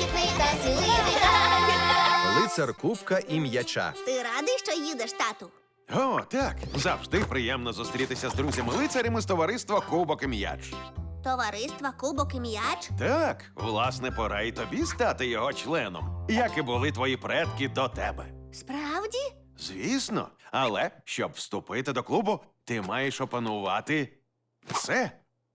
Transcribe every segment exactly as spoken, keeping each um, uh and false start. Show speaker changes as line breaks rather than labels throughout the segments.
крихітний та сміливий грай.
Лицар кубка і м'яча.
Ти радий, що їдеш, тату?
О, так. Завжди приємно зустрітися з друзями-лицарями з товариства Кубок і м'яч.
Товариства Кубок і м'яч?
Так, власне, пора і тобі стати його членом, як і були твої предки до тебе.
Справді?
Звісно, але щоб вступити до клубу, ти маєш опанувати все.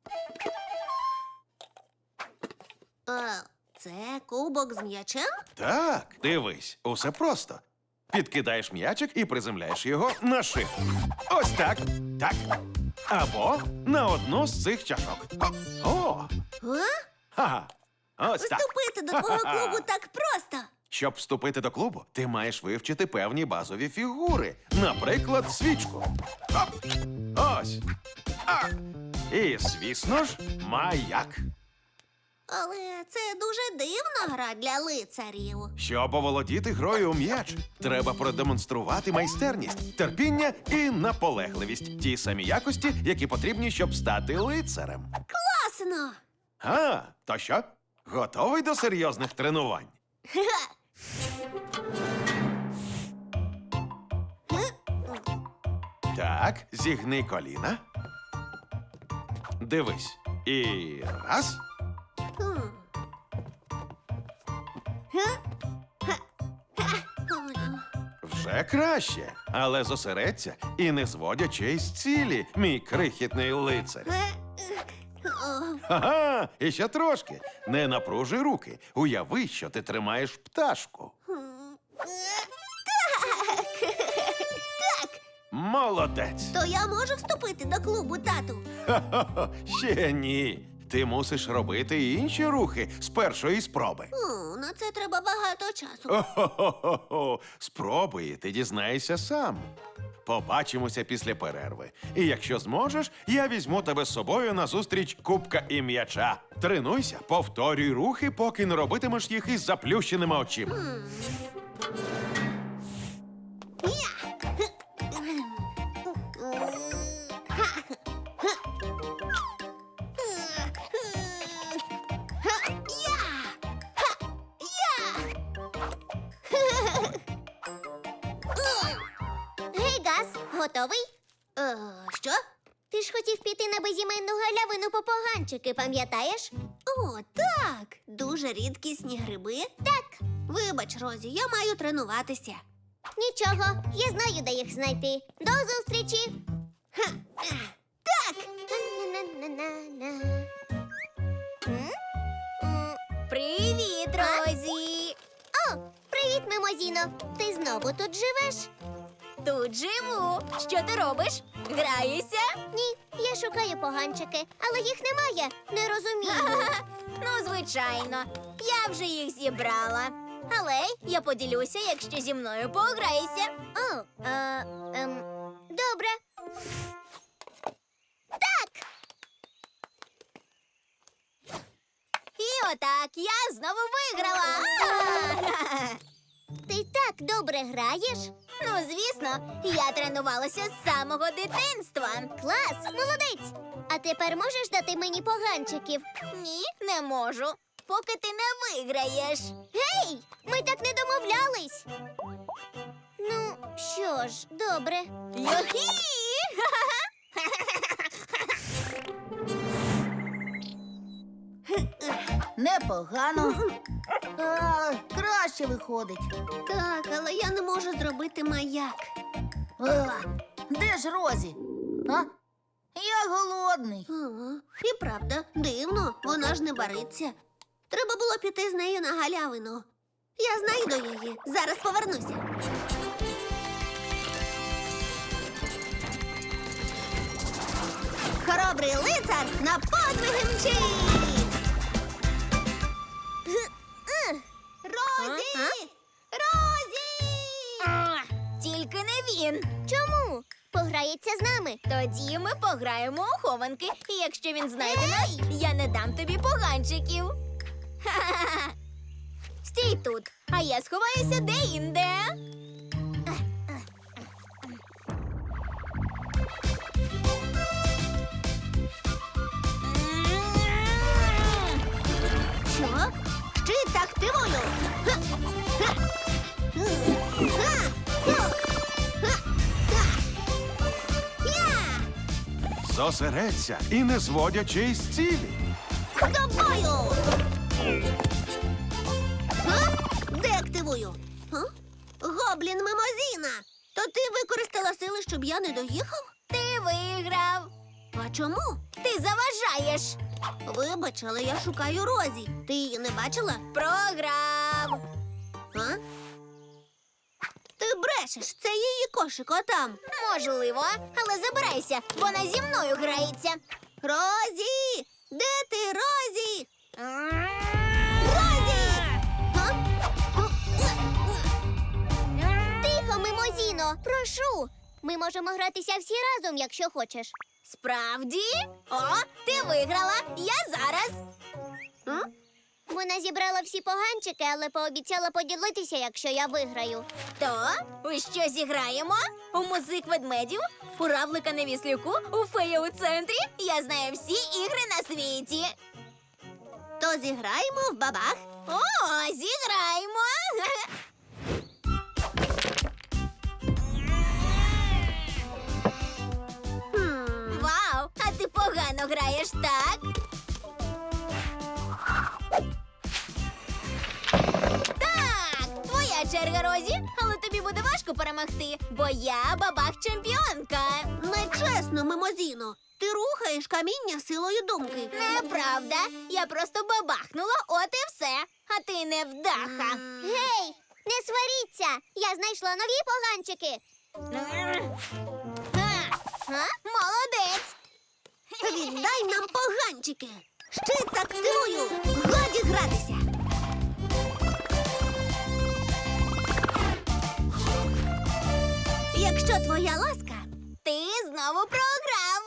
Е, це кубок з м'ячем?
Так, дивись, усе просто. Підкидаєш м'ячик і приземляєш його на шибку. Ось так, так. Або на одну з цих чашок. О, О!
А?
Ха-ха. Ось так.
Вступити до твого
Ха-ха-ха.
клубу так просто.
Щоб вступити до клубу, ти маєш вивчити певні базові фігури. Наприклад, свічку. Оп! Ось. А. І, звісно ж, маяк.
Але це дуже дивна гра для лицарів.
Щоб оволодіти грою у м'яч, треба продемонструвати майстерність, терпіння і наполегливість. Ті самі якості, які потрібні, щоб стати лицарем.
Класно!
А, то що? Готовий до серйозних тренувань? Так, зігни коліна. Дивись. І раз.
Хм. Га? Га. Га. Ой.
Вже краще. Але зосередься і не зводь очей з цілі, мій крихітний лицар.
Е, е, о.
Ага, і ще трошки. Не напружуй руки. Уяви, що ти тримаєш пташку.
Хм. Е, Так! Так!
Молодець.
То я можу вступити до клубу, тату?
Ха-ха-ха, ще ні. Ти мусиш робити і інші рухи з першої спроби.
О, на це треба багато часу.
О-хо-хо-хо. Спробуй, і ти дізнаєшся сам. Побачимося після перерви. І якщо зможеш, я візьму тебе з собою на зустріч кубка і м'яча. Тренуйся, повторюй рухи, поки не робитимеш їх із заплющеними очима.
Гей, Газ, готовий?
Е, що?
Ти ж хотів піти на безіменну галявину по поганчики, пам'ятаєш?
О, так. Дуже рідкісні гриби.
Так.
Вибач, Розі, я маю тренуватися.
Нічого, я знаю, де їх знайти. До зустрічі!
Ха. е, Так.
На-на-на-на-на. М? М, Привіт, Розі! О, привіт, Мимозіно! Ти знову тут живеш?
Тут живу. Що ти робиш? Граєшся?
Ні, я шукаю поганчики, але їх немає. Не розумію.
Ну, звичайно. Я вже їх зібрала. Але я поділюся, якщо зі мною пограєшся.
О, а, ем, добре.
І отак я знову виграла.
Ти так добре граєш?
Ну, звісно, я тренувалася з самого дитинства.
Клас, молодець! А тепер можеш дати мені поганчиків?
Ні, не можу. Поки ти не виграєш.
Гей, ми так не домовлялись. Ну, що ж, добре.
Юхі!
Непогано. А, краще виходить.
Так, але я не можу зробити маяк.
А, де ж Розі? А? Я голодний.
Ага. І правда, дивно, вона ж не бариться. Треба було піти з нею на галявину. Я знайду її. Зараз повернуся. Хоробрий лицар на подвиги мчить! Розі!
А?
Розі!
А, Тільки не він.
Чому? Пограється з нами.
Тоді ми пограємо у хованки, і якщо він знайде нас, я не дам тобі поганчиків. Ха-ха-ха. Стій тут, а я сховаюся де-інде.
Що? Щит активуй!
Зосередься і не зводячи із цілі.
Тобою! А? Деактивую. А? Гоблін Мимозіна! То ти використала сили, щоб я не доїхав?
Ти виграв.
А чому?
Ти заважаєш.
Вибач, але я шукаю Розі. Ти її не бачила?
Програв.
А? Ти брешеш, це її кошик отам.
Можливо, але забирайся, вона зі мною грається.
Розі! Де ти, Розі? Розі! А?
Тихо, Мимозіно, прошу. Ми можемо гратися всі разом, якщо хочеш.
Справді? О, ти виграла. Я зараз.
М?
Вона зібрала всі поганчики, але пообіцяла поділитися, якщо я виграю.
То, у що зіграємо? У музик ведмедів, у равлика на віслюку, у фея у центрі. Я знаю всі ігри на світі.
То зіграємо в бабах.
О, зіграємо.
Хм.
Вау, а ти погано граєш, так? Так, твоя черга, Розі, але тобі буде важко перемогти, бо я бабах-чемпіонка.
Нечесно, Мимозіно. Ти рухаєш каміння силою думки.
Неправда, я просто бабахнула, от і все. А ти невдаха.
Гей, не сваріться! Я знайшла нові поганчики.
Га, га, молодець.
Віддай нам поганчики. Щит активую. Годі гратися. Якщо твоя ласка.
Ти знову програв.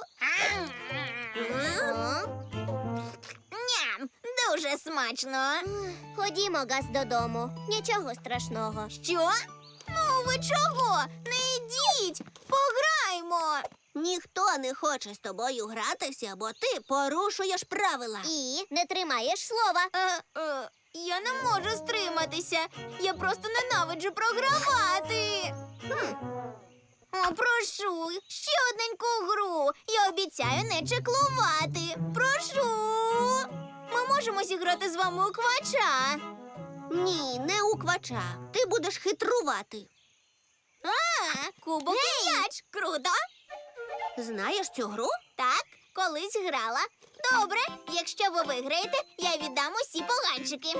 Ням, дуже смачно.
Ходімо, Газ, додому. Нічого страшного.
Що? Ну ви чого? Не йдіть, пограймо.
Ніхто не хоче з тобою гратися, бо ти порушуєш правила.
І не тримаєш слова.
Е, е, я не можу стриматися. Я просто ненавиджу програвати. Хм. О, прошу, ще одненьку гру. Я обіцяю не чеклувати. Прошу. Ми можемо зіграти з вами у квача.
Ні, не у квача. Ти будеш хитрувати.
А, кубок і м'яч. Круто.
Знаєш цю гру?
Так, колись грала. Добре, якщо ви виграєте, я віддам усі поганчики.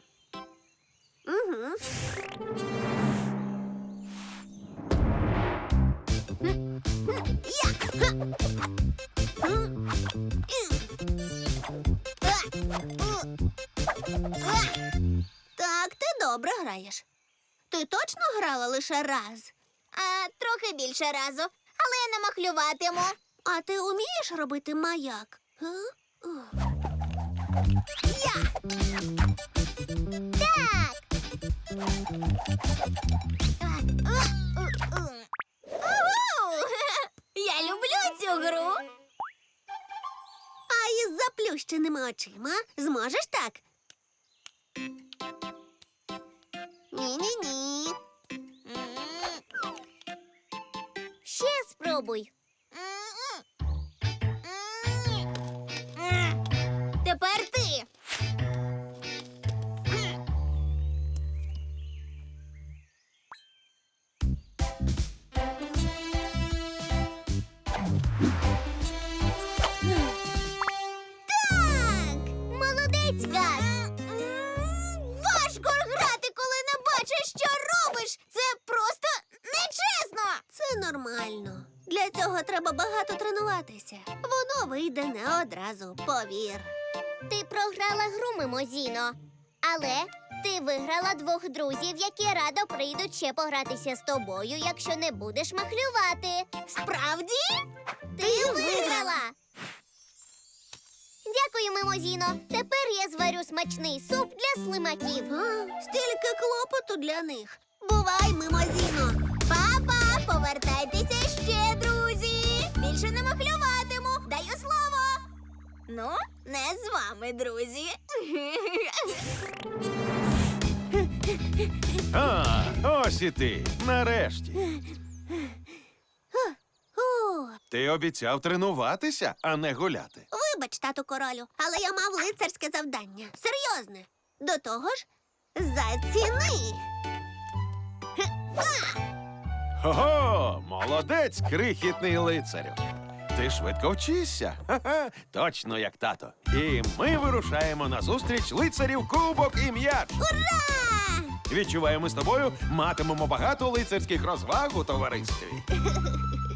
Угу. Так, ти добре граєш. Ти точно грала лише раз?
А трохи більше разу, але я не махлюватиму.
А ти вмієш робити маяк? Га? О. Я!
Так. Уху! Я люблю цю гру.
А із заплющеними очима зможеш так? Ні-ні-ні.
Ще спробуй.
Тепер ти.
Так! Молодець, Газ!
Важко грати, коли не бачиш, що робиш. Це просто нечесно.
Це нормально. Для цього треба багато тренуватися. Воно вийде не одразу, повір.
Ти програла гру, Мимозіно. Але ти виграла двох друзів, які радо прийдуть ще погратися з тобою, якщо не будеш махлювати.
Справді?
Ти виграла! Дякую, Мимозіно. Тепер я зварю смачний суп для слимаків.
А, стільки клопоту для них. Бувай, Мимозіно.
Папа, повертайтеся ще, друзі. Більше не махлюватиму. Даю слово. Ну, не з вами, друзі.
А, ось і ти. Нарешті.
О,
Ти обіцяв тренуватися, а не гуляти.
Вибач, тату королю, але я мав лицарське завдання. Серйозне. До того ж, заціни.
Ого, молодець, крихітний лицарю. Ти швидко вчишся. Ха-ха, точно як тато. І ми вирушаємо на зустріч лицарів Кубок і М'яч.
Ура!
Відчуваємо з тобою, матимемо багато лицарських розваг у товаристві.